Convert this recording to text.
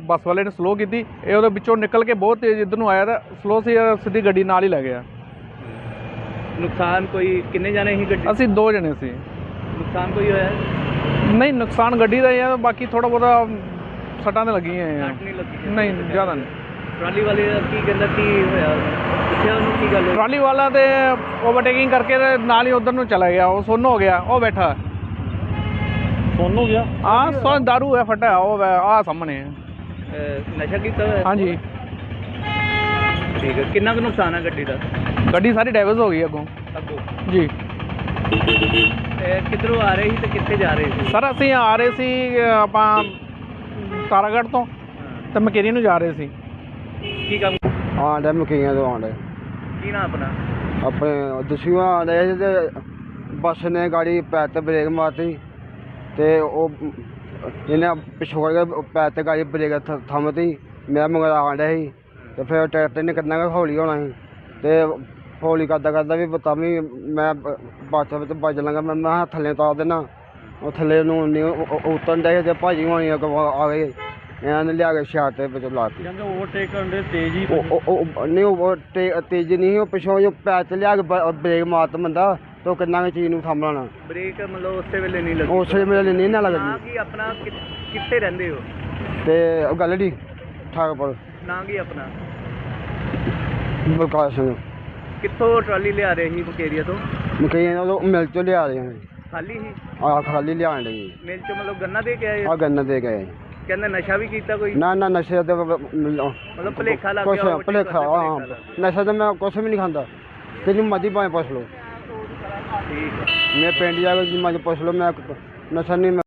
ਬੱਸ ਵਾਲੇ ਨੇ ਸਲੋ ਕੀਤੀ, ਇਹ ਉਹਦੇ ਵਿੱਚੋਂ ਨਿਕਲ ਕੇ ਬਹੁਤ ਤੇਜ਼ ਇੱਧਰ ਨੂੰ ਆਇਆ ਤਾਂ ਸਲੋ ਸੀ, ਸਿੱਧੀ ਗੱਡੀ ਨਾਲ ਹੀ ਲੈ ਗਿਆ। ਨੁਕਸਾਨ ਕੋਈ ਕਿੰਨੇ ਜਾਣੇ ਸੀ ਗੱਡੀ? ਅਸੀਂ 2 ਜਣੇ ਸੀ। ਨੁਕਸਾਨ ਕੋਈ ਹੋਇਆ? ਨਹੀਂ, ਨੁਕਸਾਨ ਗੱਡੀ ਦਾ ਹੀ ਆ, ਬਾਕੀ ਥੋੜ੍ਹਾ ਬਹੁਤਾ ਸੱਟਾਂ ਤਾਂ ਲੱਗੀਆਂ ਆ। ਸੱਟ ਨਹੀਂ ਲੱਗੀ? ਨਹੀਂ, ਜ਼ਿਆਦਾ ਨਹੀਂ। ਟਰਾਲੀ ਵਾਲੇ ਦਾ ਕੀ ਕਹਿੰਦਾ, ਕੀ ਹੋਇਆ? ਪੁੱਛਿਆ ਉਹਨੂੰ ਕੀ ਗੱਲ ਹੋਈ? ਟਰਾਲੀ ਵਾਲਾ ਤੇ ਓਵਰਟੇਕਿੰਗ ਕਰਕੇ ਤੇ ਨਾਲ ਹੀ ਉਧਰ ਨੂੰ ਚਲਾ ਗਿਆ, ਉਹ ਸੁੰਨ ਹੋ ਗਿਆ, ਉਹ ਬੈਠਾ ਸੁੰਨ ਹੋ ਗਿਆ? ਹਾਂ, ਸੁੰਨ ਦਾਰੂ ਹੈ ਫਟਿਆ, ਉਹ ਆ ਸਾਹਮਣੇ। ਨਸ਼ਾ ਕੀਤਾ ਹੋਇਆ? ਹਾਂਜੀ। ਠੀਕ ਹੈ, ਕਿੰਨਾ ਕੁ ਨੁਕਸਾਨ ਹੈ ਗੱਡੀ ਦਾ? ਗੱਡੀ ਸਾਰੀ ਡੈਮੇਜ ਹੋ ਗਈ ਅੱਗੋਂ ਜੀ। ਕਿੱਧਰੋਂ ਆ ਰਹੇ ਸੀ ਤੇ ਕਿੱਥੇ ਜਾ ਰਹੇ ਸੀ? ਸਰ ਅਸੀਂ ਆ ਰਹੇ ਸੀ ਆਪਾਂ ਤਾਰਾਗੜ੍ਹ ਤੋਂ ਤੇ ਮਕੇਰੀ ਨੂੰ ਜਾ ਰਹੇ ਸੀ। ਕੀ ਕੰਮ? ਆਂਡੇ ਮਕਈਆਂ ਤੋਂ ਆਂਡੇ। ਕੀ ਨਾਮ ਆਪਣਾ? ਆਪਣੇ ਦਸੂਆ ਆਂਡੇ ਤੇ ਬੱਸ ਨੇ ਗਾੜੀ ਪੈਰ ਤੇ ਬ੍ਰੇਕ ਮਾਰਤੀ ਤੇ ਉਹ ਇਹਨੇ ਪਿਛੋੜ ਕੇ ਪੈਰ ਤੇ ਗਾੜੀ ਬ੍ਰੇਕ ਥੰਮਤੀ। ਮੈਂ ਮਗਰ ਆਂਡਾ ਸੀ ਤੇ ਫਿਰ ਟਰੈਕਟਰ ਨੇ ਕਿੰਨਾ ਕੁ ਹੌਲੀ ਹੋਣਾ ਸੀ ਤੇ ਹੌਲੀ ਕਰਦਾ ਵੀ ਤਾਂ ਵੀ ਮੈਂ ਬੱਸ ਵਿੱਚ ਵੱਜ ਲਾਂਗਾ। ਮੈਂ ਥੱਲੇ ਤਾਰ ਦੇਣਾ, ਉਹ ਥੱਲੇ ਨੂੰ ਨਹੀਂ ਉਤਰਨ ਡੇ ਤੇ ਭਾਜੀ ਹੋਣੀ ਆ ਗਏ, ਇਹਨਾਂ ਨੇ ਲਿਆ ਕੇ ਸ਼ਾਟ ਦੇ ਵਿੱਚ ਲਾਤੀ। ਕਹਿੰਦੇ ਓਵਰਟੇਕ ਕਰਨ ਦੇ ਤੇਜ਼ ਹੀ ਨਹੀਂ, ਉਹ ਤੇਜ਼ ਨਹੀਂ, ਉਹ ਪਿਛੋਂ ਜੋ ਪੈਰ ਤੇ ਲਿਆ ਕੇ ਬ੍ਰੇਕ ਮਾਰਤ ਬੰਦਾ ਤੇ ਉਹ ਕਿੰਨਾ ਕੁ ਚੀਜ਼ ਨੂੰ ਸਾਂਭ ਲੈਣਾ। ਬ੍ਰੇਕ ਮਤਲਬ ਉਸੇ ਵੇਲੇ ਨਹੀਂ ਲੱਗੀ? ਉਸੇ ਵੇਲੇ ਨਹੀਂ ਨਾ ਨਾ ਲੱਗਦੀ। ਕੀ ਆਪਣਾ ਕਿੱਥੇ ਰਹਿੰਦੇ ਹੋ? ਤੇ ਉਹ ਗੱਲ ਨਹੀਂ ਠਾਕਪੁਰ। ਨਾਂ ਕੀ ਆਪਣਾ? ਬਲਕਾਰ ਸਿੰਘ। ਕਿੱਥੋਂ ਟਰਾਲੀ ਲਿਆ ਰਹੇ ਸੀ ਮੁਕੇਰੀਆ ਤੋਂ? ਮਕਈਆਂ ਉਹ ਮਿਲ ਚੋਂ ਲਿਆ ਰਹੇ ਨੇ। ਖਾਲੀ ਸੀ? ਆਹ ਖਾਲੀ ਲਿਆਣ ਲਈ ਮਿਲ ਚੋਂ ਮਤਲਬ ਗੰਨਾ ਦੇ ਕੇ ਆਏ? ਆ ਗੰਨਾ ਦੇ ਗਏ। ਕਹਿੰਦੇ ਨਸ਼ਾ ਵੀ ਕੀਤਾ ਕੋਈ? ਨਾ ਨਸ਼ੇ ਤੇ ਮਤਲਬ ਭੁਲੇਖਾ ਲੱਗ ਕੁਛ ਗਿਆ? ਭੁਲੇਖਾ, ਹਾਂ। ਨਸ਼ਾ ਤਾਂ ਮੈਂ ਕੁਛ ਵੀ ਨਹੀਂ ਖਾਂਦਾ, ਤੈਨੂੰ ਮਰਜ਼ੀ ਭਾਵੇਂ ਪੁੱਛ ਲਓ। ਠੀਕ ਹੈ। ਮੈਂ ਪਿੰਡ ਜਾ ਕੇ ਮਰਜ਼ੀ ਪੁੱਛ ਲਓ, ਮੈਂ ਨਸ਼ਾ ਨਹੀਂ